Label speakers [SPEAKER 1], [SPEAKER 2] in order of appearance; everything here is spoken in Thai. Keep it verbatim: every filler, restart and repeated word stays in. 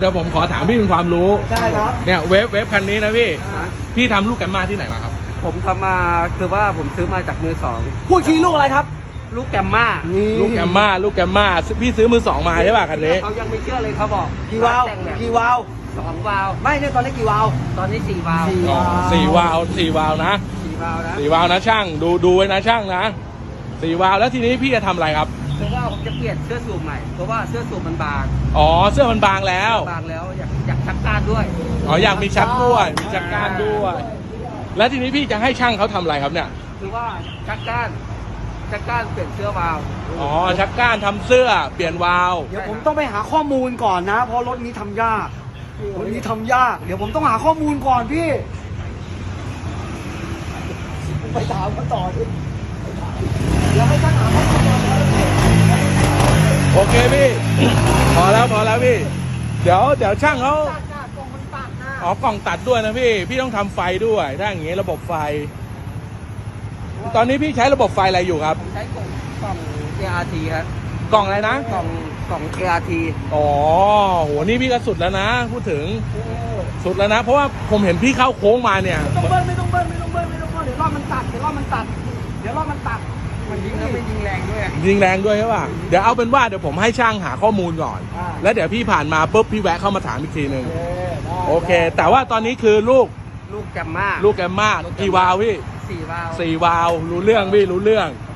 [SPEAKER 1] ดี๋ยวผมขอถามพี่เป็นความรู้
[SPEAKER 2] ใช่ครับ
[SPEAKER 1] เนี่ยเวฟเวฟคันนี้นะพี่พี่ทำลูกแกมมาที่ไหนมาครับ
[SPEAKER 3] ผมทำมาคือว่าผมซื้อมาจากมือสอง
[SPEAKER 2] พูดทีลูกอะไรครับ
[SPEAKER 3] ลูกแกมมา
[SPEAKER 1] ลูกแกมมาลูกแกมมาพี่ซื้อมือสองมาใช่ป่ะคันนี้
[SPEAKER 3] เขายังไม่เชื่อเลยเขาบอก
[SPEAKER 2] กี่วาล์ว
[SPEAKER 3] แต่งแบบ
[SPEAKER 2] กี่วาล์ว
[SPEAKER 3] สองวาล์ว
[SPEAKER 2] ไม่เนี่ยตอนนี้กี่วาล์ว
[SPEAKER 3] ตอนนี้สี่วาล์ว
[SPEAKER 2] สี่
[SPEAKER 1] อ๋อสี่วาล์วสี่วาล์วนะ
[SPEAKER 3] สี่วาล์วนะ
[SPEAKER 1] สี่วาล์วนะช่างดูดูไว้นะช่างนะสี่วาล์วแล้วทีนี้พี่จะทำอะไรครับ
[SPEAKER 3] คือว่าผมจะเปลี่ยนเสื้อสูบใหม่เพราะว่าเสื้อสูบมันบาง
[SPEAKER 1] อ๋อเสื้อมันบางแล้ว
[SPEAKER 3] บางแล้วอยากอยากชักการด้วย
[SPEAKER 1] อ๋ออยากมีชักด้วยมีชักก้านด้วย แล้วทีนี้พี่จะให้ช่างเขาทำอะไรครับเนี่ย
[SPEAKER 3] คือว่าชักการชักการเปลี่ยนเสื้อวาล์ว
[SPEAKER 1] อ๋อชักก้านทำเสื้อเปลี่ยนวาล์ว
[SPEAKER 2] เดี๋ยวผมต้องไปหาข้อมูลก่อนนะ เพราะรถนี้ทำยากรถนี้ทำยาก เดี๋ยวผมต้องหาข้อมูลก่อนพี่ไปถามกันต่อดิเดี๋ยวให้ท่านหาข้อมูลก่อนนะ
[SPEAKER 1] โอเคพี่ พอแล้วพอแล้วพี่ เดี๋ยวเดี๋ยวช่างเขา
[SPEAKER 2] ตัดหน้ากล่องมันตัดหน้า
[SPEAKER 1] อ๋อกล่องตัดด้วยนะพี่พี่ต้องทำไฟด้วยถ้าอย่างงี้ระบบไฟ ตอนนี้พี่ใช้ระบบไฟอะไรอยู่ครับ
[SPEAKER 3] ใช้กล่องกล่อง เอ อาร์ ที ครับ
[SPEAKER 1] กล่องอะไรนะ
[SPEAKER 3] กล่องกล่อง เอ อาร์ ที
[SPEAKER 1] อ๋อโหนี่พี่ก็สุดแล้วนะ พูดถึงสุดแล้วนะ เพราะว่าผมเห็นพี่เข้าโค้งมาเนี่ย
[SPEAKER 2] ไม่ต้องเบิ้ลไม่ต้องเบิ้ลไม่ต้องเบิ้ลไม่ต้องเบิ้ลเดี๋ยวรอบมันตัดเดี๋ยวรอบมันตัดเดี๋ยวรอบมันตัด
[SPEAKER 3] มันยิงแล้วไม่ยิงแรงด้วย
[SPEAKER 1] ยิงแรงด้วยใช่ป่ะเดี๋ยวเอาเป็นว่าเดี๋ยวผมให้ช่างหาข้อมูลก่อน แล้วเดี๋ยวพี่ผ่านมาปุ๊บพี่แวะเข้ามาถามอีกทีหนึ่งโอเค แต่ว่าตอนนี้คือลูก
[SPEAKER 3] ลูกแกมมา
[SPEAKER 1] ลูกแกมมากี่วาล์วพี่
[SPEAKER 3] สี่วาล์ว
[SPEAKER 1] สี่วาล์วรู้เรื่องพี่รู้เรื่อง
[SPEAKER 3] โ